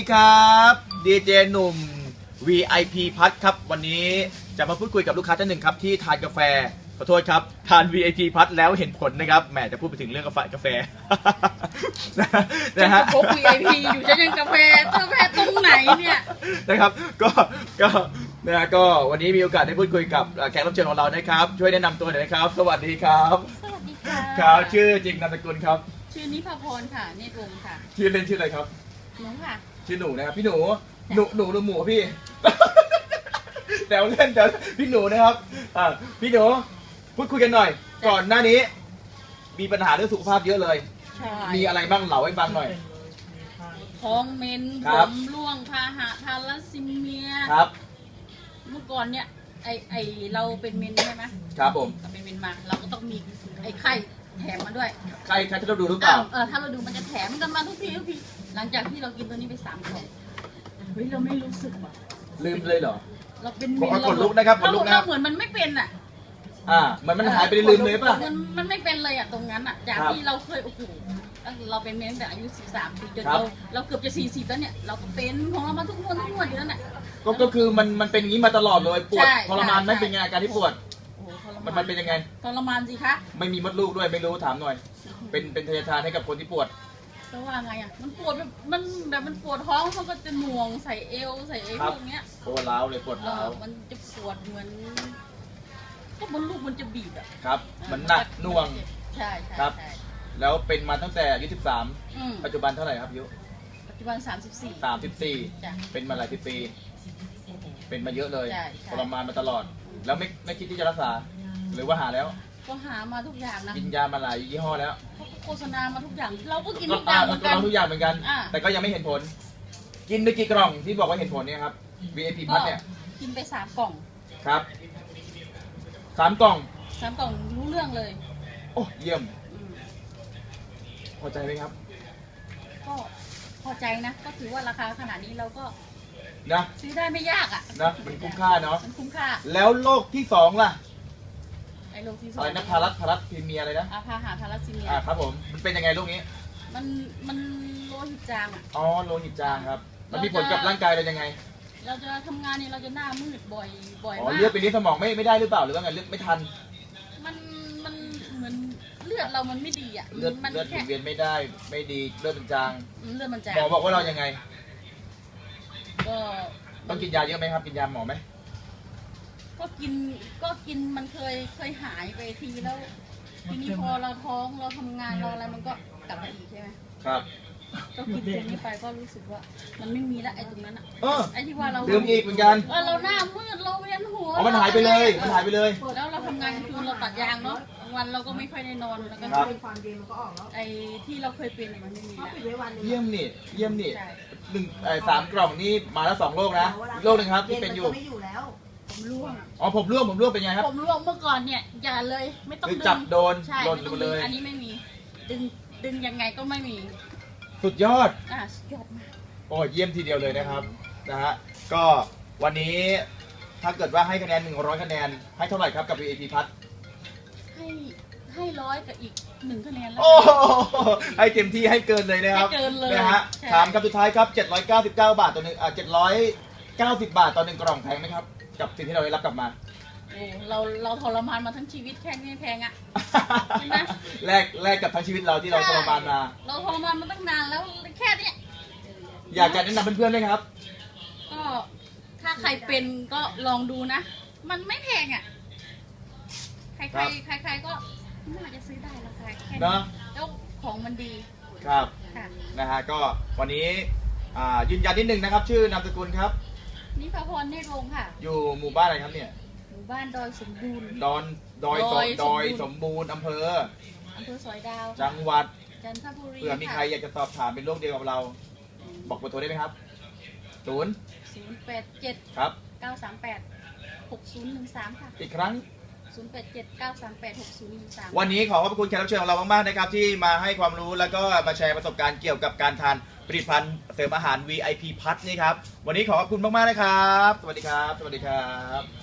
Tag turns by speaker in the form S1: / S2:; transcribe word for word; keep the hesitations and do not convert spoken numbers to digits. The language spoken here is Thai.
S1: ครับดีเจหนุ่ม วี ไอ พี พัทครับวันนี้จะมาพูดคุยกับลูกค้าท่านหนึ่งครับที่ทานกาแฟขอโทษครับทาน วี ไอ พี พัทแล้วเห็นผลนะครับแหมจะพูดไปถึงเรื่องกาแฟกาแฟนะฮะ
S2: พก วี ไอ พี อยู่จะยังกาแฟกาแฟตรงไหนเนี่ย
S1: นะครับก็ก็นะฮะก็วันนี้มีโอกาสได้พูดคุยกับแขกรับเชิญของเรานะครับช่วยแนะนำตัวหน่อยนะครับสวัสดีครับ
S2: สวัสดีค่ะ
S1: ครับชื่อจริงนามสกุลครับ
S2: ชื่อนิพาพรค่ะเนตรวงศ์ค่ะ
S1: ชื่อเล่นชื่ออะไรครับ
S2: หนูค่ะ
S1: ชื่อหนูนะครับพี่หนูหนูหนูหรือหมูพี่แซวเล่นแต่พี่หนูนะครับอ่าพี่หนูพูดคุยกันหน่อยก่อนหน้านี้มีปัญหาเรื่องสุขภาพเยอะเลย
S2: ใช่
S1: มีอะไรบ้างเล่าให้ฟังหน่อย
S2: ท้องเมนผมร่วงพาหะทาลัสซีเมีย
S1: ครับ
S2: เมื่อก่อนเนี่ยไอไอเราเป็นเมนใช่ไหม
S1: ครับผม
S2: เราเป็นเมนมาเราก็ต้องมีไอไข่แถมมาด้วย
S1: ไข่ไข่ที่เราดูหรือเปล่า
S2: เออถ้าเราดูมันจะแถมกันมาทุกทีทุกทีหลังจากที่เรากินตัวนี้ไปสามกล่องเฮ้ยเราไม่รู้สึกว่ะ
S1: ลืมเลยเหรอ
S2: เราเป็น
S1: เมนเราขนลุกนะครับขนลุกนะ
S2: เราเหมือนมันไม่เป็นอ่ะ
S1: อ่าเหมือนมันหายไปลืมเลยป่ะ
S2: มันมันไม่เป็นเลยอ่ะตรงนั้นอ่ะจากที่เราเคยโอ้โหเราเป็นเมนแต่อายุสิบสามปีจนเราเราเกือบจะสี่สิบแล้วเนี่ยเราก็เป็นของเรามาทุกวันทุกวันอยู่แล้วเนี่ย
S1: ก็ก็คือมันมันเป็นอย่างนี้มาตลอดเลยปวดทรมานไม่เป็นไงอาการที่ปวดมันมันเป็นยังไง
S2: ทรมานสิคะ
S1: ไม่มีมดลูกด้วยไม่รู้ถามหน่อยเป็นเป็นทายาทานให้กับคนที่ปวด
S2: ก็ว่าไงอ่ะมันปวดแบบมันแบบมันปวดท้องมันก็จะหน่วงใส่เอวใส่เอวพวกเนี้ย
S1: ปวดร้าวเลยปวดร้าว
S2: มันจะปวดเหมือนก็มดลูกมันจะบีบอ่ะ
S1: ครับมันหนักหน่วง
S2: ใช่
S1: ครับแล้วเป็นมาตั้งแต่อายุสิบสามปัจจุบันเท่าไหร่ครับอายุ
S2: ปัจจุบันสามสิบสี่
S1: สามสิบสี่เป็นมาหลายสิบปีเป็นมาเยอะเลยทรมานมาตลอดแล้วไม่ไม่คิดที่จะรักษาหรือว่าหาแล้ว
S2: ก็หามาทุกอย่างนะ
S1: กินยามาหลายยี่ห้อแล้ว
S2: โฆษณามาทุกอย่างเราก็กินทุกอย่างเหมือนกัน
S1: ทุกอย่างเหมือนกันแต่ก็ยังไม่เห็นผลกินไปกี่กล่องที่บอกว่าเห็นผลเนี่ยครับ วี ไอ พี พัทเนี่ย
S2: กินไปสามกล่อง
S1: ครับสามกล่อง
S2: สามกล่องรู้เรื่องเลย
S1: โอ้เยี่ยมพอใจไหมครับ
S2: ก็พอใจนะก็ถือว่าราคาขนาดนี้เราก็
S1: นะ
S2: ซื้อได้ไม่ยากอ่ะ
S1: นะมันคุ้มค่าเนาะ
S2: มันคุ้มค่า
S1: แล้วโรคที่สองล่ะ
S2: ไอ้โรคที่สอง
S1: อะไรนะพารัสพารัสพรีเมียอะไรนะ
S2: อาพาหาทาลัสซีเมีย
S1: อ่าครับผมมันเป็นยังไงโรคนี้
S2: มันมันโลหิตจางอ่ะ
S1: อ๋อโลหิตจางครับมันมีผลกับร่างกายเรายังไง
S2: เราจะทำงานเนี่ยเราจะหน้ามืดบ่อยบ่อยมาก
S1: อ๋อเลือดไปนี้สมองไม่ไม่ได้หรือเปล่าหรือว่าไงเลือดไม่ทัน
S2: มันมันเหมือนเลือดเรามันไม่ดีอ่ะ
S1: เลือดเลือดหมุนเวียนไม่ได้ไม่ดีเลือดมันจาง
S2: เลือดมันจาง
S1: หมอบอกว่าเรายังไง
S2: ก็
S1: ต้องกินยาเยอะไหมครับกินยาหมอไหม
S2: ก็กินก็กินมันเคยเคยหายไปทีแล้วทีนี้พอเราท้องเราทำงานเราอะไรมันก็กลับมาอีกใช่ไหม
S1: ครับ
S2: ก็กินตัวนี้ไปก็รู้สึกว่ามันไม่มีแล้วไอ้ตรงนั้นอ่ะไอ้ที่ว่าเรา
S1: ลืมอีกเหมือนกัน
S2: เออเราหน้ามืดเราเวียนหัว
S1: อ๋อมันหายไปเลยมันหายไปเลย
S2: แล้วเราทำงานคืนเราตัดยางเนาะวันเราก็ไม่ค่อยได้นอนแล้วก็ไอ้ที่เราเคยเป็นมันไม่มี
S1: เยี่ยมนี่เยี่ยมนี่หนึ่งไอ้สามกล่องนี่มาแล้วสองโรคนะโรคหนึ่งครับที่เป็นอยู่
S2: ผมร่วง
S1: อ๋อผมร่วงผมร่วงเป็นไงครับ
S2: ผมร่วงเมื่อก่อนเนี่ยอย่าเลยไม่ต้องดึง
S1: จับโดน
S2: หล่นเลยอันนี้ไม่มีดึงดึงยังไงก็ไม่มี
S1: สุดยอด
S2: อ่ะสุดยอดมาก
S1: โอ้เยี่ยมทีเดียวเลยนะครับนะฮะก็วันนี้ถ้าเกิดว่าให้คะแนนหนึ่งร้อยคะแนนให้เท่าไหร่ครับกับ วี ไอ พี พัท
S2: ให้ให้ร้อยกับอีกหนึ่งคะแนนแล้ว
S1: โอ้ให้เต็มที่ให้เกินเลยนะครับ
S2: ให้เกินเลย
S1: นะฮะถามคำสุดท้ายครับเจ็ดร้อยเก้าสิบเก้าบาทต่อหนึ่งอ่าเจ็ดร้อยเก้าสิบบาทต่อหนึ่งกล่องแพงไหมครับกับสิ่งที่เราได้รับกลับมา
S2: โอ้เราเราทรมานมาทั้งชีวิตแค่นี้แพงอ่ะใช่ไหม
S1: แลกแลกกับทั้งชีวิตเราที่เราทรมานมา
S2: เราทรมานมาตั้งนานแล้วแค่นี้
S1: อยากจะแนะนำเพื่อนๆเลยครับ
S2: ก็ถ้าใครเป็นก็ลองดูนะมันไม่แพงอ่ะใครใครใครๆก็น่าจะซื้อได้ราคาแค่นี้แล้วของมันดี
S1: ครับนะฮะก็วันนี้ยืนยันนิดนึงนะครับชื่อนามสกุลครับ
S2: นิพาพรเนตรวงศ์ค่ะ
S1: อยู่หมู่บ้านอะไรครับเนี่ย
S2: หมู่บ้านดอยสมบูรณ์
S1: ดอนดอยดอยดอยสมบูรณ์อำเภอ
S2: อำเภอสอยดาว
S1: จังหวัด
S2: จันทบุรี
S1: เผื่อมีใครอยากจะสอบถามเป็นโรคเดียวกับเราบอกเบอร์โทรได้ไหมครับศูนย์
S2: ศูนย์แปดเจ็ด
S1: ครับ
S2: เก้าสามแปดหกศูนย์หนึ่งสามค่ะ
S1: อีกครั้ง
S2: ศูนย์แปดเจ็ดเก้าสามแปดหกศูนย์หนึ่งสาม
S1: วันนี้ขอขอบคุณแขกรับเชิญของเรามากๆนะครับที่มาให้ความรู้แล้วก็มาแชร์ประสบการณ์เกี่ยวกับการทานผลิตภัณฑ์เสริมอาหาร วี ไอ พี พัทนี่ครับวันนี้ขอขอบคุณมากๆนะครับสวัสดีครับสวัสดีครับ